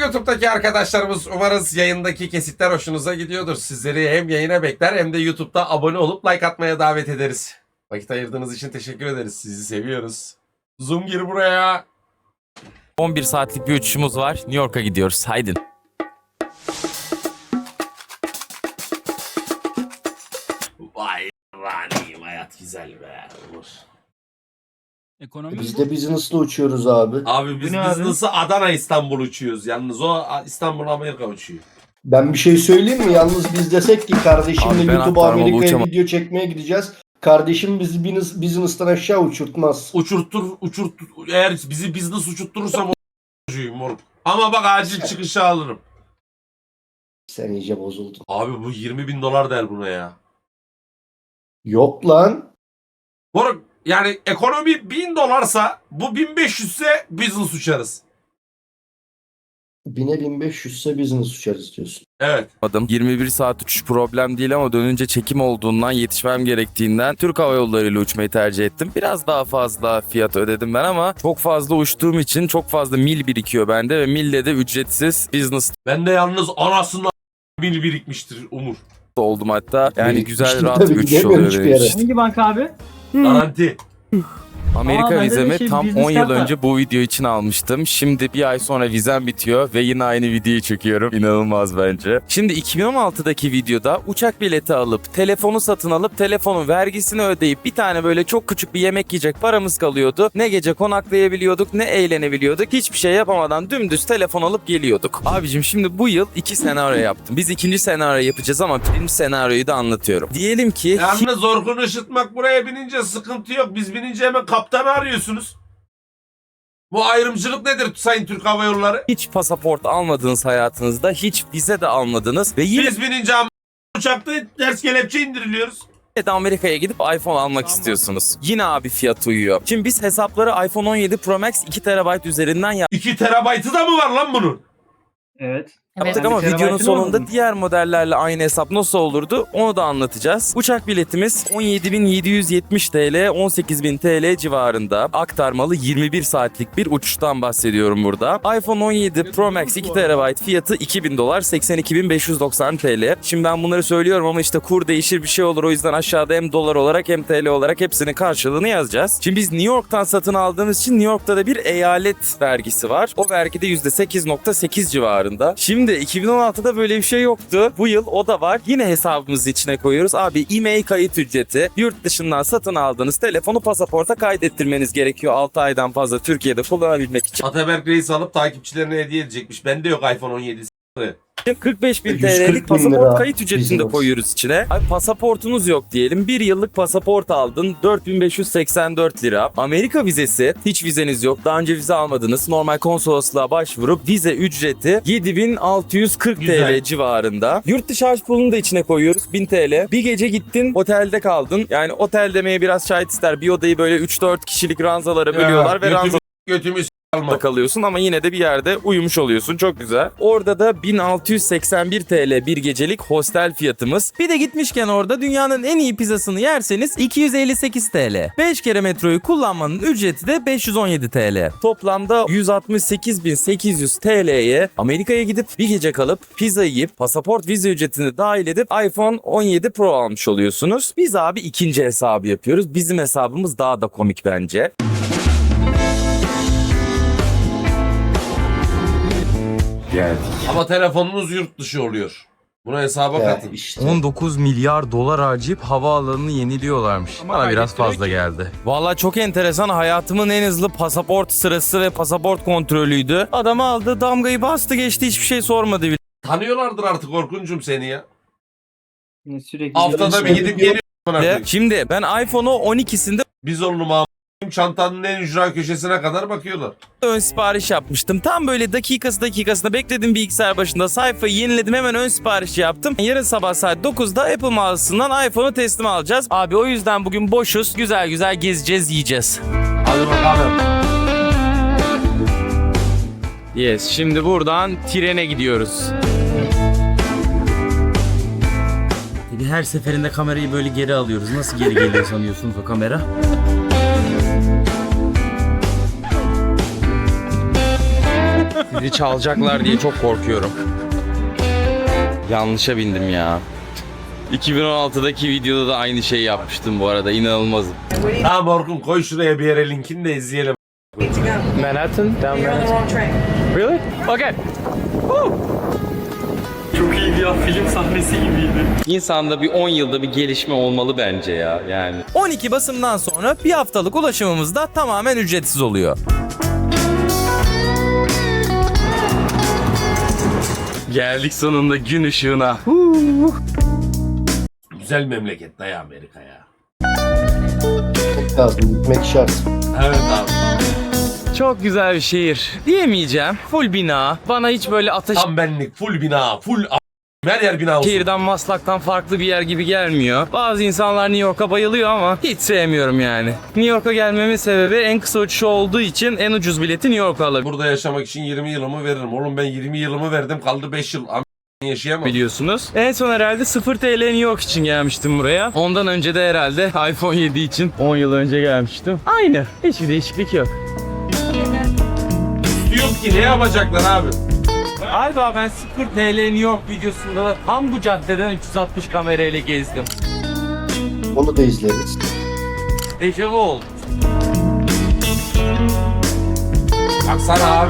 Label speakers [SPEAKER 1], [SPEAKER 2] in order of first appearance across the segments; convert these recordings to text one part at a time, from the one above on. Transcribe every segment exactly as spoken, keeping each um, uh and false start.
[SPEAKER 1] YouTube'daki arkadaşlarımız, umarız yayındaki kesitler hoşunuza gidiyordur. Sizleri hem yayına bekler hem de YouTube'da abone olup like atmaya davet ederiz. Vakit ayırdığınız için teşekkür ederiz. Sizi seviyoruz. Zoom gir buraya.
[SPEAKER 2] on bir saatlik bir uçuşumuz var. New York'a gidiyoruz. Haydi.
[SPEAKER 1] Vay raniyim, hayat güzel be. Olur.
[SPEAKER 3] Ekonomi
[SPEAKER 4] Biz
[SPEAKER 3] bu.
[SPEAKER 4] de business'la uçuyoruz abi.
[SPEAKER 1] Abi biz
[SPEAKER 3] Bu ne abi?
[SPEAKER 1] business'ı Adana İstanbul uçuyoruz. Yalnız o İstanbul Amerika uçuyor.
[SPEAKER 4] Ben bir şey söyleyeyim mi? Yalnız biz desek ki kardeşimle
[SPEAKER 2] Abi ben
[SPEAKER 4] YouTube'a
[SPEAKER 2] aktarmalı
[SPEAKER 4] Amerika'ya
[SPEAKER 2] uçamam.
[SPEAKER 4] video çekmeye gideceğiz. Kardeşim bizi business, business'tan aşağı uçurtmaz.
[SPEAKER 1] Uçurtur, uçurtur. Eğer bizi business uçurtturursam o uçuyum moruk. Ama bak acil çıkışı alırım.
[SPEAKER 4] Sen iyice bozuldun.
[SPEAKER 1] Abi bu yirmi bin dolar der buna ya.
[SPEAKER 4] Yok lan.
[SPEAKER 1] Moruk yani ekonomi bin dolarsa bu bin beş yüz ise business uçarız.
[SPEAKER 4] Bine bin beş yüzse business uçarız diyorsun.
[SPEAKER 1] Evet.
[SPEAKER 2] Adım yirmi bir saat uçuş problem değil ama dönünce çekim olduğundan yetişmem gerektiğinden Türk Hava Yolları ile uçmayı tercih ettim. Biraz daha fazla fiyat ödedim ben ama çok fazla uçtuğum için çok fazla mil birikiyor bende ve mille de ücretsiz business
[SPEAKER 1] Ben de yalnız anasından bil birikmiştir Umur.
[SPEAKER 2] oldum hatta. Yani
[SPEAKER 4] Birikmiştim
[SPEAKER 2] güzel rahat
[SPEAKER 4] tabii,
[SPEAKER 2] bir uçuş
[SPEAKER 4] gidemiyorum
[SPEAKER 2] oluyor
[SPEAKER 4] hiçbir
[SPEAKER 2] benim
[SPEAKER 4] yere.
[SPEAKER 2] için.
[SPEAKER 3] Hangi banka abi?
[SPEAKER 1] Garanti.
[SPEAKER 2] Amerika
[SPEAKER 3] Aa, bende de
[SPEAKER 2] vizemi
[SPEAKER 3] şey,
[SPEAKER 2] tam
[SPEAKER 3] business
[SPEAKER 2] on yıl
[SPEAKER 3] kart var.
[SPEAKER 2] önce bu video için almıştım. Şimdi bir ay sonra vizem bitiyor ve yine aynı videoyu çekiyorum. İnanılmaz bence. Şimdi iki bin on altıdaki videoda uçak bileti alıp, telefonu satın alıp, telefonun vergisini ödeyip bir tane böyle çok küçük bir yemek yiyecek paramız kalıyordu. Ne gece konaklayabiliyorduk, ne eğlenebiliyorduk. Hiçbir şey yapamadan dümdüz telefon alıp geliyorduk. Abicim şimdi bu yıl iki senaryo yaptım. Biz ikinci senaryo yapacağız ama birinci senaryoyu da anlatıyorum. Diyelim ki
[SPEAKER 1] Yalnız Orkun Işıtmak buraya binince sıkıntı yok. Biz binince hemen kaptanı arıyorsunuz. Bu ayrımcılık nedir Sayın Türk Hava Yolları?
[SPEAKER 2] hiç pasaport almadınız hayatınızda, hiç vize de almadınız ve yine
[SPEAKER 1] Biz binince am- uçakta ters kelepçe indiriliyoruz.
[SPEAKER 2] de Amerika'ya gidip iPhone almak istiyorsunuz. Yine abi fiyat uyuyor. Şimdi biz hesapları iPhone on yedi Pro Max iki terabayt üzerinden
[SPEAKER 1] iki terabaytı da mı var lan bunun?
[SPEAKER 3] Evet.
[SPEAKER 2] yaptık
[SPEAKER 3] Evet.
[SPEAKER 2] ama
[SPEAKER 3] Bir
[SPEAKER 2] videonun
[SPEAKER 3] terabaytın
[SPEAKER 2] sonunda
[SPEAKER 3] olmadı mı?
[SPEAKER 2] diğer modellerle aynı hesap nasıl olurdu onu da anlatacağız. Uçak biletimiz on yedi bin yedi yüz yetmiş TL, on sekiz bin TL civarında. Aktarmalı yirmi bir saatlik bir uçuştan bahsediyorum burada. iPhone on yedi Pro Max iki terabayt fiyatı iki bin dolar, seksen iki bin beş yüz doksan TL. Şimdi ben bunları söylüyorum ama işte kur değişir bir şey olur. O yüzden aşağıda hem dolar olarak hem T L olarak hepsinin karşılığını yazacağız. Şimdi biz New York'tan satın aldığımız için New York'ta da bir eyalet vergisi var. O vergi de yüzde sekiz nokta sekiz civarında. Şimdi iki bin on altıda böyle bir şey yoktu. Bu yıl o da var. Yine hesabımızın içine koyuyoruz. Abi e-mail kayıt ücreti. Yurt dışından satın aldığınız telefonu pasaporta kaydettirmeniz gerekiyor altı aydan fazla Türkiye'de kullanabilmek için.
[SPEAKER 1] Ataberk Reis alıp takipçilerine hediye edecekmiş. Bende yok iPhone on yedi.
[SPEAKER 2] kırk beş bin
[SPEAKER 4] yüz kırk
[SPEAKER 2] TL'lik
[SPEAKER 4] bin
[SPEAKER 2] pasaport
[SPEAKER 4] lira
[SPEAKER 2] kayıt ücretini de
[SPEAKER 4] business.
[SPEAKER 2] koyuyoruz içine. Abi pasaportunuz yok diyelim. Bir yıllık pasaport aldın. dört bin beş yüz seksen dört lira. Amerika vizesi. Hiç vizeniz yok. Daha önce vize almadınız. Normal konsolosluğa başvurup vize ücreti yedi bin altı yüz kırk
[SPEAKER 1] Güzel.
[SPEAKER 2] TL civarında. Yurt dışı harç pulunu da içine koyuyoruz. bin TL. Bir gece gittin otelde kaldın. Yani otel demeye biraz şahit ister. Bir odayı böyle üç dört kişilik ranzalara bölüyorlar ve ranza
[SPEAKER 1] Götümü s- alma.
[SPEAKER 2] da kalıyorsun ama yine de bir yerde uyumuş oluyorsun. Çok güzel. Orada da bin altı yüz seksen bir TL bir gecelik hostel fiyatımız. Bir de gitmişken orada dünyanın en iyi pizzasını yerseniz iki yüz elli sekiz TL. beş kere metroyu kullanmanın ücreti de beş yüz on yedi TL. Toplamda yüz altmış sekiz bin sekiz yüz TL'ye Amerika'ya gidip bir gece kalıp pizza yiyip pasaport vize ücretini dahil edip iPhone on yedi Pro almış oluyorsunuz. Biz abi ikinci hesabı yapıyoruz. Bizim hesabımız daha da komik bence.
[SPEAKER 1] Ama telefonunuz yurt dışı oluyor. Buna hesaba
[SPEAKER 4] Ya
[SPEAKER 1] katın.
[SPEAKER 4] işte.
[SPEAKER 2] on dokuz milyar dolar harcayıp havaalanını yeniliyorlarmış.
[SPEAKER 3] Ama
[SPEAKER 2] Bana biraz
[SPEAKER 3] kaydettiriyor
[SPEAKER 2] fazla
[SPEAKER 3] ki.
[SPEAKER 2] geldi. Vallahi çok enteresan. Hayatımın en hızlı pasaport sırası ve pasaport kontrolüydü. Adam aldı, damgayı bastı, geçti, hiçbir şey sormadı bile.
[SPEAKER 1] Tanıyorlardır artık Orkuncum seni ya.
[SPEAKER 3] Yine Sürekli
[SPEAKER 1] Haftada bir gidip geliyor. amına koyayım.
[SPEAKER 2] Şimdi ben iPhone'u on ikisinde
[SPEAKER 1] Biz oğlum am- çantanın en ücra köşesine kadar bakıyorlar.
[SPEAKER 2] ön sipariş yapmıştım. Tam böyle dakikası dakikasında bekledim bilgisayar başında. Sayfayı yeniledim, hemen ön sipariş yaptım. Yarın sabah saat dokuzda Apple mağazasından iPhone'u teslim alacağız. Abi o yüzden bugün boşuz. Güzel güzel gezeceğiz, yiyeceğiz.
[SPEAKER 1] Hadi bakalım.
[SPEAKER 2] Yes, şimdi buradan trene gidiyoruz. Her seferinde kamerayı böyle geri alıyoruz. Nasıl geri geliyor sanıyorsunuz o kamera? Biri çalacaklar diye çok korkuyorum. Yanlışa bindim ya. iki bin on altıdaki videoda da aynı şeyi yapmıştım bu arada. İnanılmazım.
[SPEAKER 1] Tamam Orkun koy şuraya bir yere linkini de izleyelim.
[SPEAKER 5] Manhattan, down Manhattan. Really? Okay.
[SPEAKER 3] Çok iyiydi ya, film sahnesi gibiydi.
[SPEAKER 2] İnsanda bir on yılda bir gelişme olmalı bence ya yani. on iki Basım'dan sonra bir haftalık ulaşımımız da tamamen ücretsiz oluyor. Geldik sonunda gün ışığına.
[SPEAKER 1] Güzel memleket dayı Amerika ya.
[SPEAKER 4] Gitmek lazım. Gitmek şart.
[SPEAKER 1] Evet abi.
[SPEAKER 2] Çok güzel bir şehir diyemeyeceğim. Full bina. Bana hiç böyle ateş
[SPEAKER 1] Tam benlik full bina full a- her yer bina olsun.
[SPEAKER 2] şehirden Maslak'tan farklı bir yer gibi gelmiyor. Bazı insanlar New York'a bayılıyor ama hiç sevmiyorum yani. New York'a gelmemin sebebi en kısa uçuşu olduğu için en ucuz bileti New York'a alabiliyorum.
[SPEAKER 1] Burada yaşamak için yirmi yılımı veririm. Oğlum ben yirmi yılımı verdim kaldı beş yıl. Am- yaşayamam.
[SPEAKER 2] Biliyorsunuz. En son herhalde sıfır T L New York için gelmiştim buraya. Ondan önce de herhalde iPhone yedi için on yıl önce gelmiştim. Aynı. Hiçbir değişiklik yok.
[SPEAKER 1] Yok ki ne yapacaklar abi?
[SPEAKER 2] Galiba ben sıfır T L New York videosunda da tam bu caddeden üç yüz altmış kamerayla gezdim.
[SPEAKER 4] Onu da izleriz.
[SPEAKER 2] Dejavu oldu.
[SPEAKER 1] Baksana abi.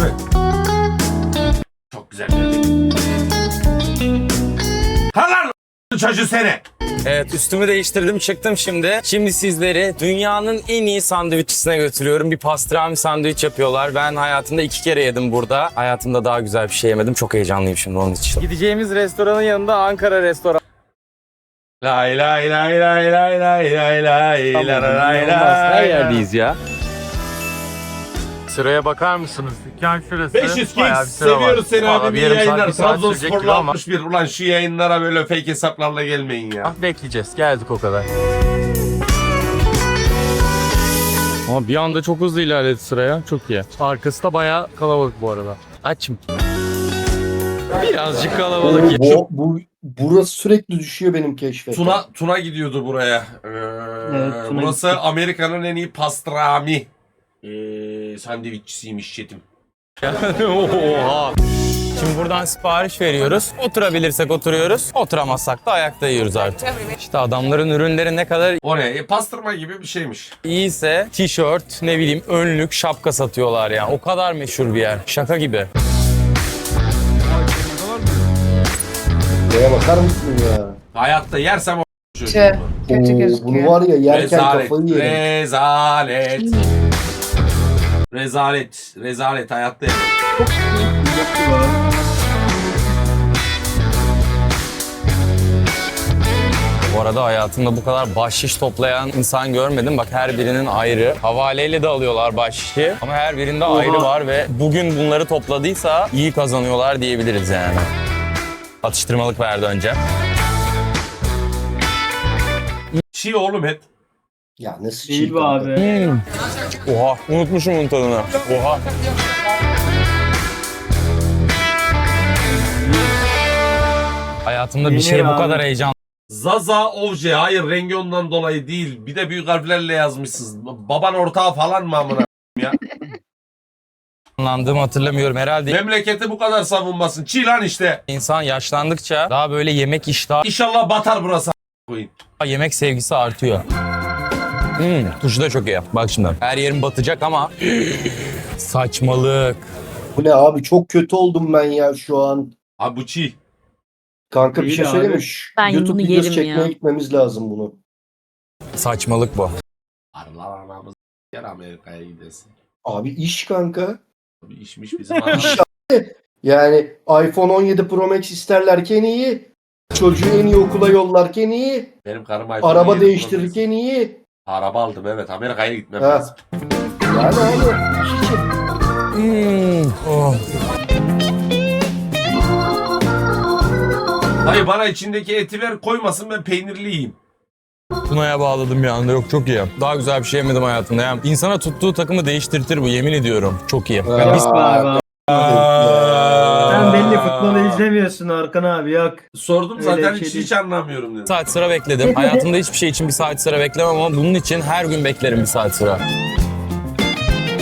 [SPEAKER 1] Çok güzel memleket. Ha lan çocuğu seni.
[SPEAKER 2] Evet, üstümü değiştirdim çıktım şimdi. Şimdi sizleri dünyanın en iyi sandviççisine götürüyorum. Bir pastrami sandviç yapıyorlar. Ben hayatımda iki kere yedim burada. Hayatımda daha güzel bir şey yemedim. Çok heyecanlıyım şimdi onun için. Gideceğimiz restoranın yanında Ankara restoran.
[SPEAKER 1] Lay lay lay lay lay lay lay lay lay lay lay.
[SPEAKER 2] Her yerdeyiz ya.
[SPEAKER 5] Sıraya bakar mısınız? Dükkan şurası.
[SPEAKER 1] beş yüz
[SPEAKER 5] Bayağı
[SPEAKER 1] Kings
[SPEAKER 5] bir sıra var.
[SPEAKER 1] seviyoruz seni
[SPEAKER 5] Vallahi
[SPEAKER 1] abi.
[SPEAKER 5] bir
[SPEAKER 1] Bir
[SPEAKER 5] yarım saat,
[SPEAKER 1] yayınlar.
[SPEAKER 5] bir saat sürecek gibi
[SPEAKER 1] Trabzonsporlu
[SPEAKER 5] ama
[SPEAKER 1] altmış bir. Ulan şu yayınlara böyle fake hesaplarla gelmeyin ya.
[SPEAKER 5] bekleyeceğiz. Geldik o kadar.
[SPEAKER 2] Ama bir anda çok hızlı ilerledi sıraya. Çok iyi.
[SPEAKER 5] Arkası da bayağı kalabalık bu arada.
[SPEAKER 2] Açım. Birazcık kalabalık ya.
[SPEAKER 4] Bu, bu, burası sürekli düşüyor benim keşfete.
[SPEAKER 1] Tuna Tuna gidiyordu buraya. Ee,
[SPEAKER 3] Evet, Tuna
[SPEAKER 1] burası
[SPEAKER 3] gitti.
[SPEAKER 1] Amerika'nın en iyi pastrami ee, sandviççisiymiş Çetim.
[SPEAKER 2] Oha. Şimdi buradan sipariş veriyoruz. Oturabilirsek oturuyoruz. Oturamazsak da ayakta yiyoruz artık. İşte adamların ürünleri ne kadar
[SPEAKER 1] O ne? E, pastırma gibi bir şeymiş.
[SPEAKER 2] iyiyse tişört, ne bileyim önlük, şapka satıyorlar ya. O kadar meşhur bir yer. Şaka gibi.
[SPEAKER 4] Neye bakar mısın ya?
[SPEAKER 1] Hayatta yersem o
[SPEAKER 6] Tüh,
[SPEAKER 1] çocuğumu.
[SPEAKER 6] kötü
[SPEAKER 4] Oo,
[SPEAKER 6] gözüküyor.
[SPEAKER 4] bunu var ya yerken
[SPEAKER 1] Rezalet,
[SPEAKER 4] kafayı yerim.
[SPEAKER 1] rezalet. Rezalet, rezalet hayatta yemem.
[SPEAKER 2] Bu arada hayatımda bu kadar bahşiş toplayan insan görmedim. Bak her birinin ayrı. Havaleyle de alıyorlar bahşişi. Ama her birinde ayrı var ve bugün bunları topladıysa iyi kazanıyorlar diyebiliriz yani. Atıştırmalık verdi önce.
[SPEAKER 1] Çiğ oğlum et.
[SPEAKER 4] Ya nasıl
[SPEAKER 3] Değil
[SPEAKER 4] çiğ
[SPEAKER 3] bu
[SPEAKER 4] kanka?
[SPEAKER 3] abi.
[SPEAKER 2] Hmm. Oha, unutmuşum bunun tadını. Oha. Hayatımda bir
[SPEAKER 3] Yenir
[SPEAKER 2] şey bu
[SPEAKER 3] abi.
[SPEAKER 2] kadar heyecan
[SPEAKER 1] Zaza Ovce. Hayır rengi ondan dolayı değil. Bir de büyük harflerle yazmışsınız. Baban ortağı falan mı amına ya?
[SPEAKER 2] Anlandığımı hatırlamıyorum. Herhalde
[SPEAKER 1] Memleketi bu kadar savunmasın. Çiğ lan işte.
[SPEAKER 2] insan yaşlandıkça daha böyle yemek iştahı,
[SPEAKER 1] İnşallah batar burası a- koyun.
[SPEAKER 2] yemek sevgisi artıyor. Hmm, tuşu da çok iyi. Bak şimdi. Her yerim batacak ama saçmalık.
[SPEAKER 4] Bu ne abi, çok kötü oldum ben ya şu an.
[SPEAKER 1] Abi bu çiğ.
[SPEAKER 4] Kanka bir
[SPEAKER 3] İyi
[SPEAKER 4] şey
[SPEAKER 3] abi.
[SPEAKER 4] söyleyeyim mi?
[SPEAKER 6] Ben
[SPEAKER 4] YouTube
[SPEAKER 6] bunu
[SPEAKER 4] videosu
[SPEAKER 6] yerim
[SPEAKER 4] çekmeye
[SPEAKER 6] ya.
[SPEAKER 4] gitmemiz lazım bunu.
[SPEAKER 2] Saçmalık bu.
[SPEAKER 1] Allah anamız yer Amerika'ya gidesin.
[SPEAKER 4] Abi iş kanka.
[SPEAKER 1] Abi işmiş bizim anamız.
[SPEAKER 4] İş abi. Yani iPhone on yedi Pro Max isterlerken iyi. Çocuğu en iyi okula yollarken iyi.
[SPEAKER 1] Benim karım iPhone
[SPEAKER 4] Araba
[SPEAKER 1] yedi
[SPEAKER 4] değiştirirken iyi.
[SPEAKER 1] Pro Max. Araba aldım evet. Amerika'ya gitmem
[SPEAKER 4] Ha.
[SPEAKER 1] lazım.
[SPEAKER 4] Yani abi iş için.
[SPEAKER 2] Hmm, oh.
[SPEAKER 1] Hayır bana içindeki eti ver koymasın ben peynirli yiyeyim.
[SPEAKER 2] Tuna'ya bağladım bir anda. Yok çok iyi. Daha güzel bir şey yemedim hayatımda. Yani insana tuttuğu takımı değiştirtir bu, yemin ediyorum. Çok iyi.
[SPEAKER 4] Ha.
[SPEAKER 2] Yani biz
[SPEAKER 3] Yok be abi.
[SPEAKER 1] Aa.
[SPEAKER 3] Sen belli futbolu izlemiyorsun Orkun abi, yok.
[SPEAKER 1] Sordum
[SPEAKER 3] Öyle
[SPEAKER 1] zaten
[SPEAKER 3] bir şey
[SPEAKER 1] hiç,
[SPEAKER 3] değil.
[SPEAKER 1] hiç anlamıyorum dedim.
[SPEAKER 2] bir saat sıra bekledim. Hayatımda hiçbir şey için bir saat sıra beklemem ama bunun için her gün beklerim bir saat sıra.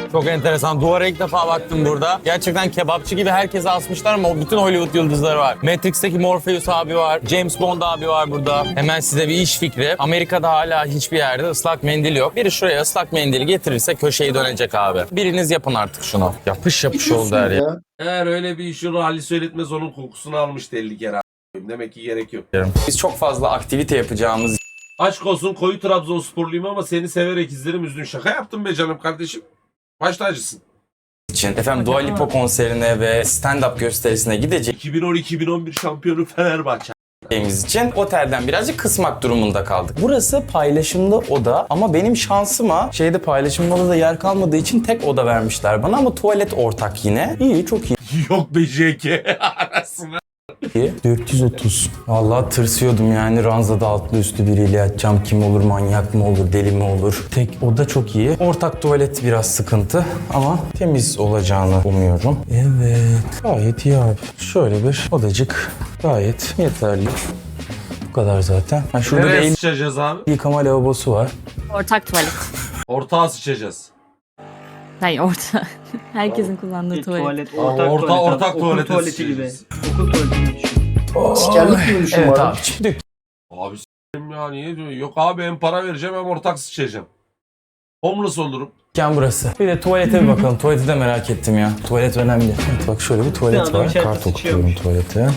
[SPEAKER 2] Çok enteresan. Duvara ilk defa baktım burada. Gerçekten kebapçı gibi herkese asmışlar ama o bütün Hollywood yıldızları var. Matrix'teki Morpheus abi var. James Bond abi var burada. Hemen size bir iş fikri. Amerika'da hala hiçbir yerde ıslak mendil yok. Biri şuraya ıslak mendili getirirse köşeyi dönecek abi. Biriniz yapın artık şunu. Yapış yapış oldu her yer.
[SPEAKER 1] Eğer öyle bir işi Ali Söyletmez onun kokusunu almıştı elli kere. a**ayım. Demek ki gerek yok.
[SPEAKER 2] Biz çok fazla aktivite yapacağımız
[SPEAKER 1] Aşk olsun koyu Trabzonsporluyum ama seni severek izlerim üzdün. Şaka yaptım be canım kardeşim. Baş tacısın.
[SPEAKER 2] için efendim Dua Lipa konserine ve stand-up gösterisine gideceğiz.
[SPEAKER 1] iki bin on iki bin on bir şampiyonu Fenerbahçe.
[SPEAKER 2] için otelden birazcık kısmak durumunda kaldık. Burası paylaşımlı oda ama benim şansıma şeyde paylaşımlı odada yer kalmadığı için tek oda vermişler bana ama tuvalet ortak yine. İyi, çok iyi.
[SPEAKER 1] Yok be J K arasına.
[SPEAKER 2] dört yüz otuz. Vallahi tırsıyordum yani ranzada altlı üstü biriyle yatacağım. Kim olur, manyak mı olur, deli mi olur? Tek oda çok iyi. Ortak tuvalet biraz sıkıntı ama temiz olacağını umuyorum. Evet, gayet iyi abi. Şöyle bir odacık gayet yeterli. Bu kadar zaten. Ha, şurada
[SPEAKER 1] Nereye
[SPEAKER 2] bir el
[SPEAKER 1] sıçacağız abi?
[SPEAKER 2] yıkama lavabosu var.
[SPEAKER 6] Ortak tuvalet.
[SPEAKER 1] Ortağa sıçacağız.
[SPEAKER 6] Hayır orta. Herkesin kullandığı
[SPEAKER 3] Bir
[SPEAKER 6] tuvalet.
[SPEAKER 3] tuvalet,
[SPEAKER 1] Aa,
[SPEAKER 3] ortak
[SPEAKER 1] orta-
[SPEAKER 3] tuvalet.
[SPEAKER 1] ortak
[SPEAKER 3] Okul
[SPEAKER 1] tuvalete
[SPEAKER 3] tuvaleti gibi.
[SPEAKER 1] sıçacağız.
[SPEAKER 3] Okul tuvaleti gibi düşün.
[SPEAKER 4] Askerlik gibi düşün
[SPEAKER 2] Evet
[SPEAKER 4] bana.
[SPEAKER 2] abi. Şimdi
[SPEAKER 1] Abi s**eyim ya niye diyor? Yok abi hem para vereceğim hem ortak sıçacağım. Homeless olurum.
[SPEAKER 2] dükkan burası. Bir de tuvalete bir bakalım. Tuvaleti de merak ettim ya. Tuvalet önemli. Evet, bak şöyle bir tuvalet
[SPEAKER 3] Adam
[SPEAKER 2] var.
[SPEAKER 3] içeride
[SPEAKER 2] Kart okutuyorum
[SPEAKER 3] sıçıyormuş.
[SPEAKER 2] tuvalete.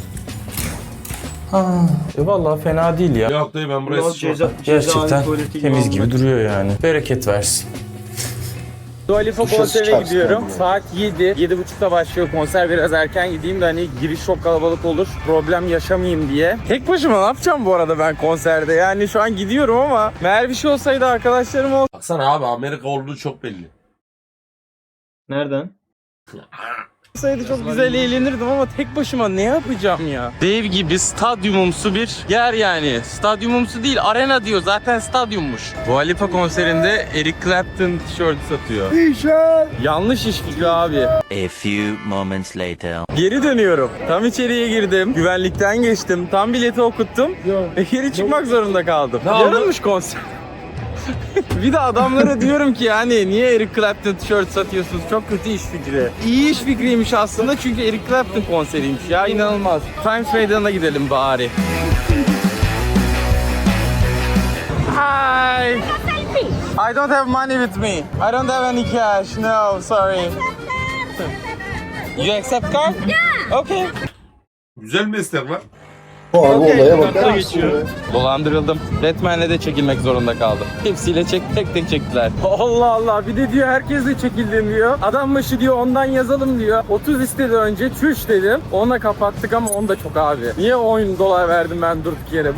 [SPEAKER 2] Ha, e vallahi fena değil ya.
[SPEAKER 1] Yok dayı ben buraya
[SPEAKER 3] Biraz
[SPEAKER 1] sıçmam.
[SPEAKER 3] ceza,
[SPEAKER 2] Gerçekten
[SPEAKER 3] cezaevi tuvaleti gibi
[SPEAKER 2] temiz gibi
[SPEAKER 3] olmak.
[SPEAKER 2] duruyor yani. Bereket versin. Dua Lipa
[SPEAKER 4] Duşa
[SPEAKER 2] konserine
[SPEAKER 4] sıçarsın
[SPEAKER 2] gidiyorum.
[SPEAKER 4] yani.
[SPEAKER 2] Saat yedi. yedi buçukta başlıyor konser. Biraz erken gideyim de hani giriş çok kalabalık olur. Problem yaşamayayım diye. Tek başıma ne yapacağım bu arada ben konserde? Yani şu an gidiyorum ama meğer bir şey olsaydı arkadaşlarım
[SPEAKER 1] Baksana abi Amerika olduğu çok belli.
[SPEAKER 3] Nereden?
[SPEAKER 2] olsaydı çok güzel eğlenirdim ama tek başıma ne yapacağım ya? Dev gibi stadyumumsu bir yer yani. Stadyumumsu değil, arena diyor. Zaten stadyummuş. Dua Lipa konserinde Eric Clapton tişörtü satıyor. Yanlış iş fikri abi.
[SPEAKER 7] A few moments later.
[SPEAKER 2] Geri dönüyorum. Tam içeriye girdim. Güvenlikten geçtim. Tam bileti okuttum. Ve geri çıkmak zorunda kaldım.
[SPEAKER 1] Ne oldu?
[SPEAKER 2] Yarınmış konser. Bir de adamlara diyorum ki yani niye Eric Clapton tişört satıyorsunuz? Çok kötü iş fikri. İyi iş fikriymiş aslında çünkü Eric Clapton konseriymiş ya, inanılmaz. Times Meydanı'na gidelim bari. Hi. I don't have money with me. I don't have any cash. No, sorry. You accept card? Yeah. Okay.
[SPEAKER 1] Güzel meslek lan.
[SPEAKER 4] Bu abi
[SPEAKER 2] Okey,
[SPEAKER 4] olaya
[SPEAKER 2] kartla
[SPEAKER 4] bakar mısın?
[SPEAKER 2] geçiyorum.
[SPEAKER 4] ya?
[SPEAKER 2] Dolandırıldım. Batman'le de çekilmek zorunda kaldım. Hepsiyle çek, tek tek çektiler. Allah Allah, bir de diyor herkesle çekildim diyor. Adam başı diyor ondan yazalım diyor. otuz istedi önce, çüş dedim. Onunla kapattık ama onu da çok abi. Niye on dolar verdim ben durduk yere?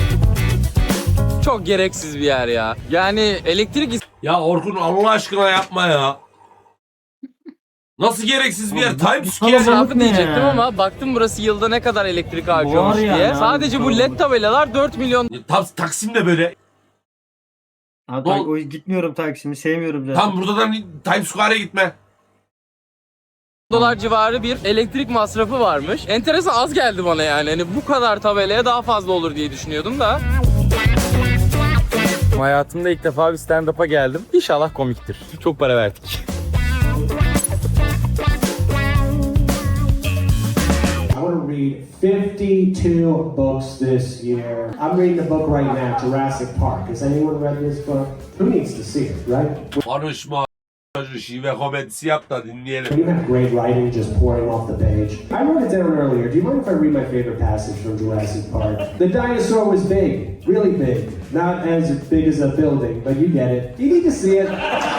[SPEAKER 2] Çok gereksiz bir yer ya. Yani elektrik
[SPEAKER 1] Ya Orkun Allah aşkına yapma ya. Nasıl gereksiz bir yer? Times Square.
[SPEAKER 3] Kalabalık
[SPEAKER 2] israfı
[SPEAKER 3] ne
[SPEAKER 2] diyecektim
[SPEAKER 3] ya?
[SPEAKER 2] ama baktım burası yılda ne kadar elektrik harcıyormuş
[SPEAKER 3] Var yani
[SPEAKER 2] diye.
[SPEAKER 3] abi,
[SPEAKER 2] Sadece bu led
[SPEAKER 3] kalabalık.
[SPEAKER 2] tabelalar dört milyon
[SPEAKER 1] Tam Taksim de böyle.
[SPEAKER 3] Abi,
[SPEAKER 1] Dol-
[SPEAKER 3] o, gitmiyorum Taksim'i sevmiyorum zaten.
[SPEAKER 1] Tam buradan Times Square'a gitme.
[SPEAKER 2] dolar civarı bir elektrik masrafı varmış. Enteresan, az geldi bana yani. Hani bu kadar tabelaya daha fazla olur diye düşünüyordum da. Hayatımda ilk defa bir stand-up'a geldim. İnşallah komiktir. Çok para verdik.
[SPEAKER 8] I want to read fifty-two books this year. I'm reading the book right now, Jurassic Park. Has anyone read this book? Who needs to see it, right?
[SPEAKER 1] Konuşma. Şive komedisi yap da dinleyelim.
[SPEAKER 8] You have great writing just pouring off the page. I wrote it down earlier. Do you mind if I read my favorite passage from Jurassic Park? The dinosaur was big, really big. Not as big as a building, but you get it. You need to see it.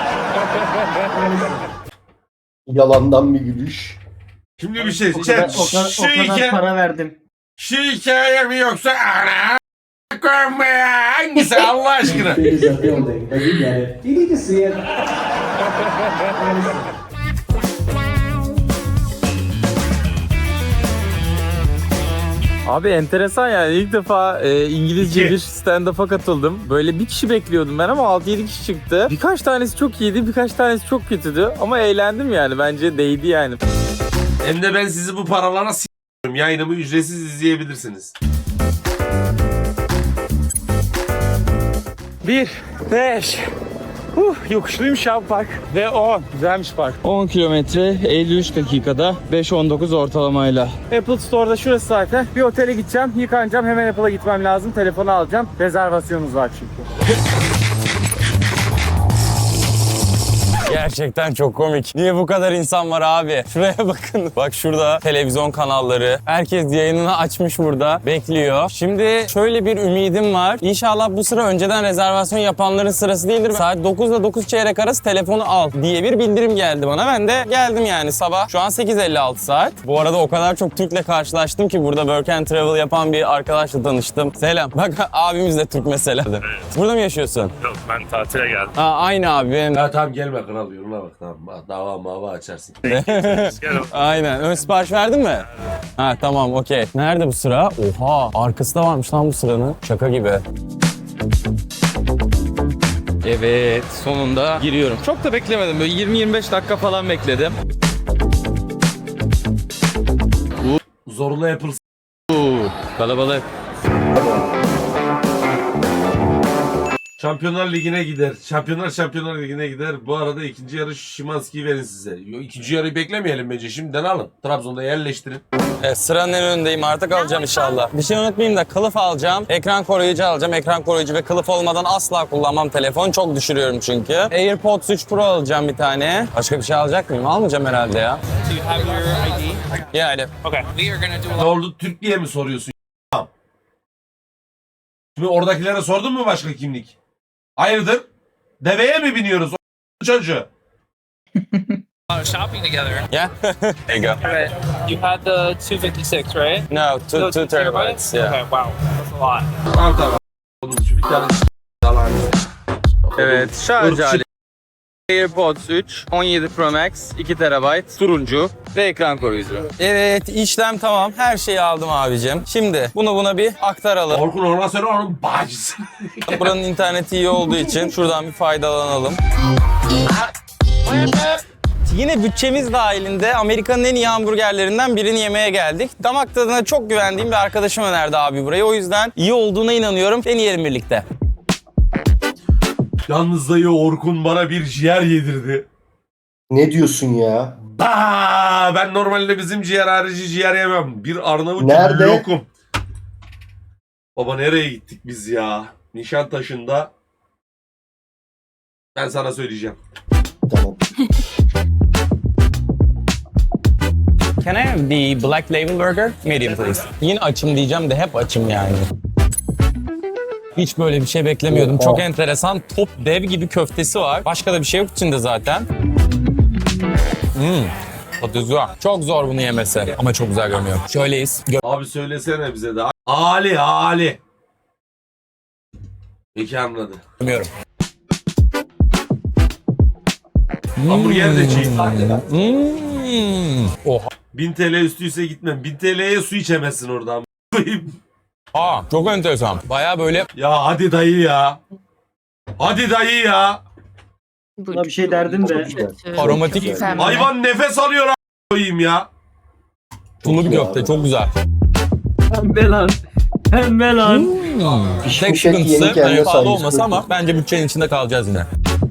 [SPEAKER 4] Yalandan bir gülüş.
[SPEAKER 1] Şimdi bir şey.
[SPEAKER 3] O kadar,
[SPEAKER 1] Chat,
[SPEAKER 3] o kadar,
[SPEAKER 1] şu,
[SPEAKER 3] o kadar
[SPEAKER 1] hikaye,
[SPEAKER 3] para verdim.
[SPEAKER 1] şu hikaye mi yoksa ana koyma ya. Hangisi Allah aşkına?
[SPEAKER 8] Big as a building, but you get it. You need to see it.
[SPEAKER 2] Abi enteresan yani, ilk defa e, İngilizce bir stand-up'a katıldım. Böyle bir kişi bekliyordum ben ama altı yedi kişi çıktı. Birkaç tanesi çok iyiydi, birkaç tanesi çok kötüydü. Ama eğlendim yani, bence değdi yani.
[SPEAKER 1] Hem de ben sizi bu paralara s***yorum. Yayınımı ücretsiz izleyebilirsiniz.
[SPEAKER 2] bir, beş, Huh, yokuşluymuş ya bu park. Ve on. Güzelmiş park. on kilometre elli üç dakikada beş on dokuz ortalamayla. Apple Store'da şurası zaten. Bir otele gideceğim, yıkanacağım. Hemen Apple'a gitmem lazım. Telefonu alacağım. Rezervasyonumuz var çünkü. Gerçekten çok komik. Niye bu kadar insan var abi? Şuraya bakın. Bak şurada televizyon kanalları. Herkes yayınını açmış burada. Bekliyor. Şimdi şöyle bir ümidim var. İnşallah bu sıra önceden rezervasyon yapanların sırası değildir. Saat dokuzla dokuz çeyrek arası telefonu al diye bir bildirim geldi bana. Ben de geldim yani sabah. Şu an sekiz elli altı saat. Bu arada o kadar çok Türk'le karşılaştım ki burada Work and Travel yapan bir arkadaşla tanıştım. Selam. Bak abimiz de Türk mesela. Evet. Burada mı yaşıyorsun?
[SPEAKER 5] Yok, ben tatile geldim.
[SPEAKER 2] Aa, aynı abi. Benim...
[SPEAKER 1] Ya tamam gelme kral yoluna bak tamam. Dava mava açarsın.
[SPEAKER 2] Aynen. Ön sipariş verdin mi? Ha tamam okey. Nerede bu sıra? Oha arkası da varmış lan bu sıranın. Şaka gibi. Evet sonunda giriyorum. Çok da beklemedim. Böyle yirmi yirmi beş dakika falan bekledim.
[SPEAKER 1] Zorla yapılsın.
[SPEAKER 2] Uuu kalabalık.
[SPEAKER 1] Şampiyonlar Ligi'ne gider. Şampiyonlar Şampiyonlar Ligi'ne gider. Bu arada ikinci yarı Şimanski'yi verin size. Yo, ikinci yarıyı beklemeyelim bence. Şimdiden alın. Trabzon'da yerleştirin.
[SPEAKER 2] Evet, sıranın en önündeyim artık alacağım inşallah. Bir şey unutmayayım da kılıf alacağım. Ekran koruyucu alacağım. Ekran koruyucu ve kılıf olmadan asla kullanmam telefon. Çok düşürüyorum çünkü. AirPods üç Pro alacağım bir tane. Başka bir şey alacak mıyım? Almayacağım herhalde ya.
[SPEAKER 9] Do you have your I D?
[SPEAKER 2] Yeah, I do.
[SPEAKER 9] Okay. We are gonna do a
[SPEAKER 1] Ne oldu? Türk diye mi soruyorsun? Tamam. Şimdi oradakilere sordun mu başka kimlik? Hayırdır? Deveye mi biniyoruz? O çocuğu.
[SPEAKER 9] lot of shopping together.
[SPEAKER 2] Yeah? There you go.
[SPEAKER 9] Right. You had the two fifty-six, right?
[SPEAKER 2] No, two,
[SPEAKER 9] No,
[SPEAKER 2] two terabytes. Yeah.
[SPEAKER 9] Okay, wow. That's a lot.
[SPEAKER 1] Tamam tamam. Onun için bir tane yalan.
[SPEAKER 2] Evet, şarj aleti. AirPods üç, on yedi Pro Max, iki terabayt, turuncu ve ekran koruyucu. Evet, işlem tamam. Her şeyi aldım abicim. Şimdi bunu buna bir aktaralım.
[SPEAKER 1] Orkun ona söyle onun bacısı.
[SPEAKER 2] Buranın interneti iyi olduğu için şuradan bir faydalanalım. Yine bütçemiz dahilinde Amerika'nın en iyi hamburgerlerinden birini yemeye geldik. Damak tadına çok güvendiğim bir arkadaşım önerdi abi burayı. O yüzden iyi olduğuna inanıyorum. Deneyelim birlikte.
[SPEAKER 1] Yalnız dayı Orkun bana bir ciğer yedirdi.
[SPEAKER 4] Ne diyorsun ya?
[SPEAKER 1] Aa, ben normalde bizim ciğer harici ciğer yemem. Bir Arnavut
[SPEAKER 4] Nerede?
[SPEAKER 1] lokum. Baba nereye gittik biz ya? Nişantaşı'nda. Ben sana söyleyeceğim.
[SPEAKER 4] Tamam.
[SPEAKER 2] Can I have the black label burger? Medium please. Yine açım diyeceğim de hep açım yani. Hiç böyle bir şey beklemiyordum. Çok enteresan. Top dev gibi köftesi var. Başka da bir şey yok içinde zaten. Hmm. Tadı güzel. Çok zor bunu yemesi. Ama çok güzel görünüyor. Şöyleyiz. Gö-
[SPEAKER 1] Abi söylesene bize de. Ali Ali. Peki anladı.
[SPEAKER 2] Görmüyorum.
[SPEAKER 1] Hamburger de çiğ.
[SPEAKER 2] Hmm. Oha.
[SPEAKER 1] bin T L üstüyse gitmem. bin T L'ye su içemezsin oradan.
[SPEAKER 2] Aa, çok enteresan. Baya böyle
[SPEAKER 1] Ya hadi dayı ya. Hadi dayı ya.
[SPEAKER 3] Buna bir şey derdim de.
[SPEAKER 2] aromatik
[SPEAKER 6] Güzel.
[SPEAKER 1] Hayvan nefes alıyor a** koyayım ya.
[SPEAKER 2] sulu bir köfte. Çok güzel.
[SPEAKER 3] Pembe lan. Pembe lan.
[SPEAKER 2] Tek
[SPEAKER 4] Pişmiş et yeni
[SPEAKER 2] sıkıntısı
[SPEAKER 4] kendine
[SPEAKER 2] hani pahalı
[SPEAKER 4] sarmış
[SPEAKER 2] olması
[SPEAKER 4] köfte.
[SPEAKER 2] ama bence bütçenin içinde kalacağız yine.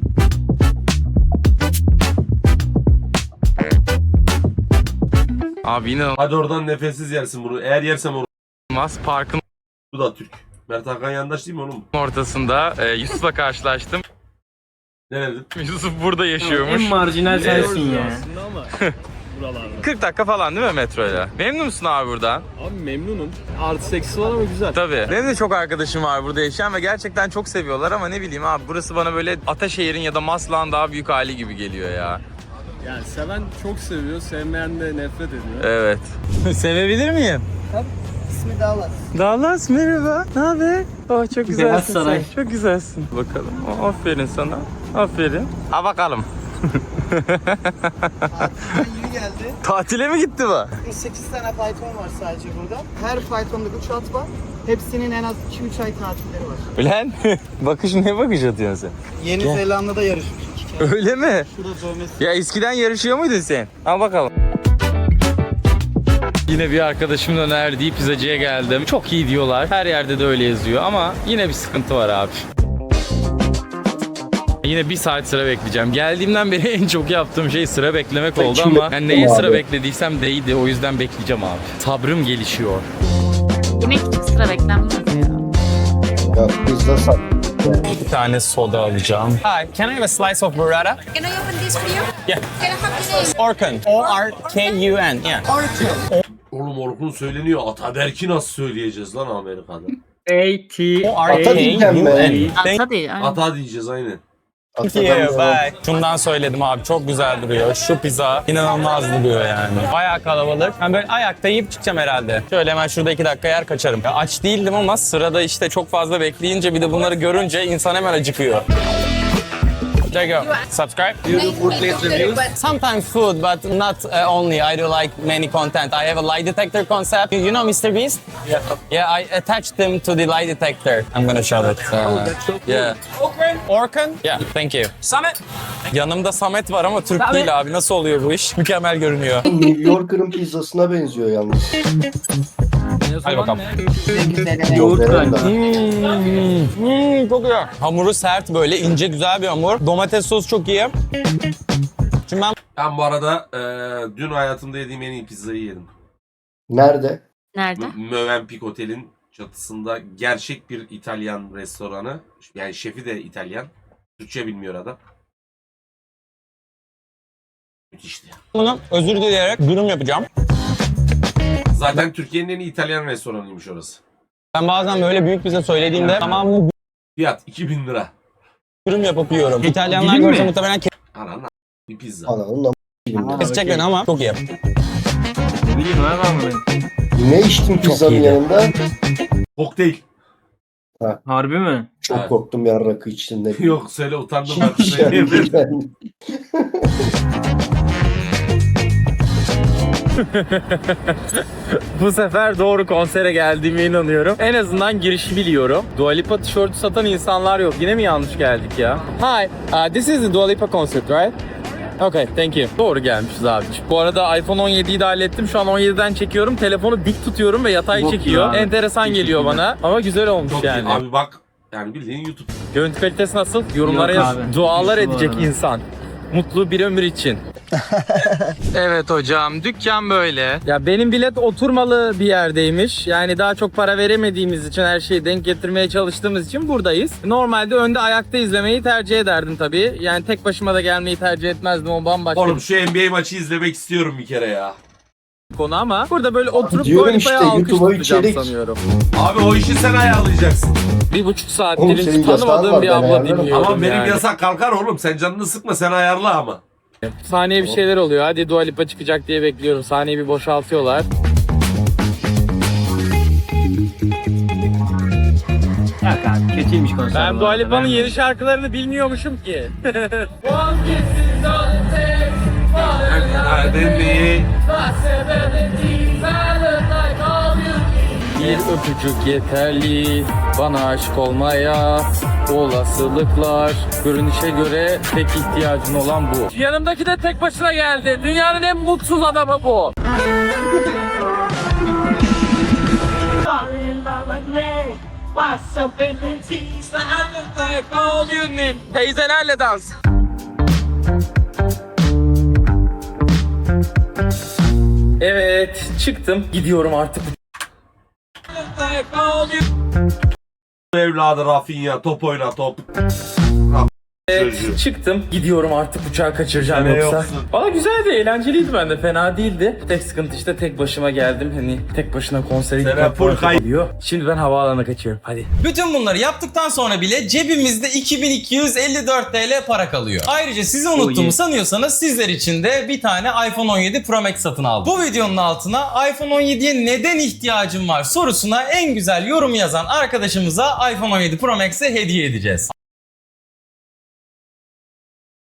[SPEAKER 2] Abi yine
[SPEAKER 1] Hadi oradan nefessiz yersin bunu. Eğer yersem onu.
[SPEAKER 2] olmaz. Parkın
[SPEAKER 1] Bu da Türk. Mert Hakan yandaş değil mi oğlum?
[SPEAKER 2] ortasında e, Yusuf'la karşılaştım.
[SPEAKER 1] Ne dedin?
[SPEAKER 2] Yusuf burada yaşıyormuş.
[SPEAKER 3] En marjinal sensin ya.
[SPEAKER 2] kırk dakika falan değil mi metroyla? Memnun musun abi buradan?
[SPEAKER 5] Abi memnunum. Artı eksi var ama güzel.
[SPEAKER 2] Tabii. Benim de çok arkadaşım var burada yaşayan ve gerçekten çok seviyorlar ama ne bileyim abi burası bana böyle Ataşehir'in ya da Maslak'ın daha büyük hali gibi geliyor ya.
[SPEAKER 5] Yani seven çok seviyor, sevmeyen de nefret ediyor.
[SPEAKER 2] Evet. Sevebilir miyim?
[SPEAKER 3] İsmi Dallas.
[SPEAKER 2] Dallas merhaba. Ne haber? Oh çok güzelsin.
[SPEAKER 3] Beyaz Saray.
[SPEAKER 2] sen. Çok güzelsin. Bakalım. Oh, aferin sana. Aferin. Ha bakalım.
[SPEAKER 10] Yeni geldi.
[SPEAKER 2] Tatile mi gitti bu?
[SPEAKER 10] sekiz tane fayton var sadece burada. Her faytonda üç at var. Hepsinin en az iki üç ay tatilleri var.
[SPEAKER 2] Ulan bakış ne bakış atıyorsun sen?
[SPEAKER 10] Yeni Zelanda'da yarışmış iki kere.
[SPEAKER 2] Öyle mi?
[SPEAKER 10] Şurada dövmesi.
[SPEAKER 2] Ya eskiden yarışıyor muydun sen? Al bakalım. Yine bir arkadaşımın önerdiği pizzacıya geldim. Çok iyi diyorlar. Her yerde de öyle yazıyor ama yine bir sıkıntı var abi. Yine bir saat sıra bekleyeceğim. Geldiğimden beri en çok yaptığım şey sıra beklemek oldu
[SPEAKER 4] Şimdi-
[SPEAKER 2] ama yani neye sıra
[SPEAKER 4] Abi.
[SPEAKER 2] beklediysem değdi. O yüzden bekleyeceğim abi. Sabrım gelişiyor.
[SPEAKER 6] Yemek için sıra beklenmez ya.
[SPEAKER 4] Ya pizza sat.
[SPEAKER 2] Bir tane soda alacağım.
[SPEAKER 9] Hi, can I have a slice of burrata?
[SPEAKER 11] Can I open this for you?
[SPEAKER 9] Yeah.
[SPEAKER 11] Can I have your name?
[SPEAKER 9] Orkun. O R K U N. Yeah.
[SPEAKER 1] Oğlum Orkun söyleniyor. Ataberk'i nasıl söyleyeceğiz lan Amerika'da?
[SPEAKER 3] A T
[SPEAKER 9] O R
[SPEAKER 4] Ata
[SPEAKER 9] K
[SPEAKER 4] diyeceğim
[SPEAKER 9] U
[SPEAKER 4] ben.
[SPEAKER 9] N.
[SPEAKER 6] Ata değil. aynen.
[SPEAKER 1] Ata diyeceğiz aynen.
[SPEAKER 9] Thank you. Bye. Şundan söyledim abi. Çok güzel duruyor. Şu pizza inanılmaz duruyor yani. Bayağı kalabalık. Ben böyle ayakta yiyip çıkacağım herhalde. Şöyle hemen şurada iki dakika yer kaçarım. Ya aç değildim ama sırada işte çok fazla bekleyince bir de bunları görünce insan hemen acıkıyor. There you go. Subscribe.
[SPEAKER 11] You do food place reviews?
[SPEAKER 9] Sometimes food, but not uh, only. I do like many content. I have a lie detector concept. You, you know mister Beast? Yeah. Yeah, I attached them to the lie detector. I'm gonna show it.
[SPEAKER 3] Oh, that's so cool.
[SPEAKER 2] Yeah.
[SPEAKER 9] Orkun? Orkun? Yeah, thank you. Summit?
[SPEAKER 2] Yanımda Samet var ama Türk değil abi. Nasıl oluyor bu iş? Mükemmel görünüyor.
[SPEAKER 4] New Yorker'ın pizzasına benziyor yalnız.
[SPEAKER 2] Hadi bakalım.
[SPEAKER 3] Yoğurt
[SPEAKER 4] Modern
[SPEAKER 3] galiba.
[SPEAKER 4] da.
[SPEAKER 9] Hmm, hmm, çok güzel. Hamuru sert böyle ince güzel bir hamur. Domates sosu çok iyi. Şimdi ben
[SPEAKER 1] Ben bu arada e, dün hayatımda yediğim en iyi pizzayı yedim.
[SPEAKER 4] Nerede?
[SPEAKER 6] Nerede?
[SPEAKER 1] M- Mövenpick Otel'in çatısında gerçek bir İtalyan restoranı. Yani şefi de İtalyan. Türkçe bilmiyor adam. Müthişti.
[SPEAKER 9] bunu özür dileyerek dürüm yapacağım.
[SPEAKER 1] Zaten Türkiye'nin en iyi İtalyan restoranıymış orası.
[SPEAKER 9] Ben bazen böyle büyük bize söylediğinde tamamını
[SPEAKER 1] Fiyat iki bin lira.
[SPEAKER 9] dürüm yapıp yiyorum. İtalyanlar
[SPEAKER 3] Dilim mi?
[SPEAKER 9] görse muhtemelen
[SPEAKER 1] Anan bir pizza.
[SPEAKER 4] Ananın am-
[SPEAKER 9] kesecek beni ama çok iyi.
[SPEAKER 3] Ne bileyim abi ama ben.
[SPEAKER 4] Ne içtin pizzanın
[SPEAKER 2] iyiydi.
[SPEAKER 4] yanında?
[SPEAKER 1] Kokteyl.
[SPEAKER 3] Harbi mi?
[SPEAKER 4] Çok
[SPEAKER 1] Evet.
[SPEAKER 4] korktum ya rakı içtin de.
[SPEAKER 1] Yok söyle utandım ben.
[SPEAKER 4] Hiç yani, yani.
[SPEAKER 2] Bu sefer doğru konsere geldiğime inanıyorum. En azından girişi biliyorum. Dua Lipa tişörtü satan insanlar yok. Yine mi yanlış geldik ya? Hi, uh, this is the Dua Lipa concert, right? Okay, thank you. Doğru gelmişiz abi. Bu arada iPhone on yediyi de hallettim. Şu an on yediden çekiyorum. Telefonu dik tutuyorum ve yatay
[SPEAKER 3] Çok
[SPEAKER 2] çekiyor.
[SPEAKER 3] güzel.
[SPEAKER 2] Enteresan geliyor bana. Ama güzel olmuş
[SPEAKER 1] Çok
[SPEAKER 2] yani.
[SPEAKER 1] iyi. Abi bak yani bildiğin YouTube.
[SPEAKER 2] Görüntü kalitesi nasıl? Yorumlara
[SPEAKER 3] Yok
[SPEAKER 2] yaz.
[SPEAKER 3] abi.
[SPEAKER 2] Dualar
[SPEAKER 3] Kötü bu
[SPEAKER 2] edecek
[SPEAKER 3] arada.
[SPEAKER 2] insan. Mutlu bir ömür için. Evet hocam, dükkan böyle. Ya benim bilet oturmalı bir yerdeymiş. Yani daha çok para veremediğimiz için, her şeyi denk getirmeye çalıştığımız için buradayız. Normalde önde ayakta izlemeyi tercih ederdim tabii. Yani tek başıma da gelmeyi tercih etmezdim, o bambaşka
[SPEAKER 1] Oğlum
[SPEAKER 2] bir
[SPEAKER 1] şu N B A maçı izlemek istiyorum bir kere ya.
[SPEAKER 2] konu ama burada böyle oturup
[SPEAKER 4] diyorum
[SPEAKER 2] Dua
[SPEAKER 4] işte,
[SPEAKER 2] Lipa'ya alkış
[SPEAKER 4] YouTube'a
[SPEAKER 2] tutacağım
[SPEAKER 4] içerik.
[SPEAKER 2] sanıyorum.
[SPEAKER 1] Abi o işi sen ayarlayacaksın.
[SPEAKER 2] Bir buçuk saattir
[SPEAKER 4] Oğlum
[SPEAKER 2] hiç
[SPEAKER 4] senin yasağın
[SPEAKER 2] tanımadığım
[SPEAKER 4] var,
[SPEAKER 2] bir
[SPEAKER 4] ben
[SPEAKER 2] abla
[SPEAKER 4] ayarlarım.
[SPEAKER 2] dinliyorum
[SPEAKER 1] Ama benim
[SPEAKER 2] yani.
[SPEAKER 1] yasak kalkar oğlum. Sen canını sıkma, sen ayarla ama.
[SPEAKER 2] Sahneye bir şeyler oluyor. Hadi Dua Lipa çıkacak diye bekliyorum. Sahneyi bir boşaltıyorlar.
[SPEAKER 3] Yok abi kötüymüş konser.
[SPEAKER 2] Ben
[SPEAKER 3] bu
[SPEAKER 2] Dua
[SPEAKER 3] arada.
[SPEAKER 2] Lipa'nın
[SPEAKER 3] Ben-
[SPEAKER 2] yeni şarkılarını bilmiyormuşum ki.
[SPEAKER 1] Nedeni
[SPEAKER 2] Bir öpücük yeterli bana aşık olmaya. Olasılıklar görünüşe göre tek ihtiyacın olan bu. Yanımdaki de tek başına geldi. Dünyanın en mutsuz adamı bu. Teyzelerle dans. Evet, çıktım. Gidiyorum artık.
[SPEAKER 1] evladı Rafinha top oyna top.
[SPEAKER 2] Evet,
[SPEAKER 1] Çocuğu.
[SPEAKER 2] çıktım. Gidiyorum artık, uçağı kaçıracağım
[SPEAKER 1] Sen
[SPEAKER 2] yoksa.
[SPEAKER 1] yoksun.
[SPEAKER 2] Valla güzeldi, eğlenceliydi bende. Fena değildi. Tek sıkıntı işte tek başıma geldim. Hani tek başına konsere
[SPEAKER 1] Sen
[SPEAKER 2] gitmek
[SPEAKER 1] full
[SPEAKER 2] falan
[SPEAKER 1] kay-
[SPEAKER 2] oluyor. Şimdi ben havaalanına kaçıyorum. Hadi.
[SPEAKER 12] Bütün bunları yaptıktan sonra bile cebimizde iki bin iki yüz elli dört TL para kalıyor. Ayrıca sizi unuttuğumu
[SPEAKER 3] iyi.
[SPEAKER 12] sanıyorsanız sizler için de bir tane iPhone on yedi Pro Max satın aldım. Bu videonun altına iPhone on yediye neden ihtiyacım var sorusuna en güzel yorum yazan arkadaşımıza iPhone on yedi Pro Max'i hediye edeceğiz.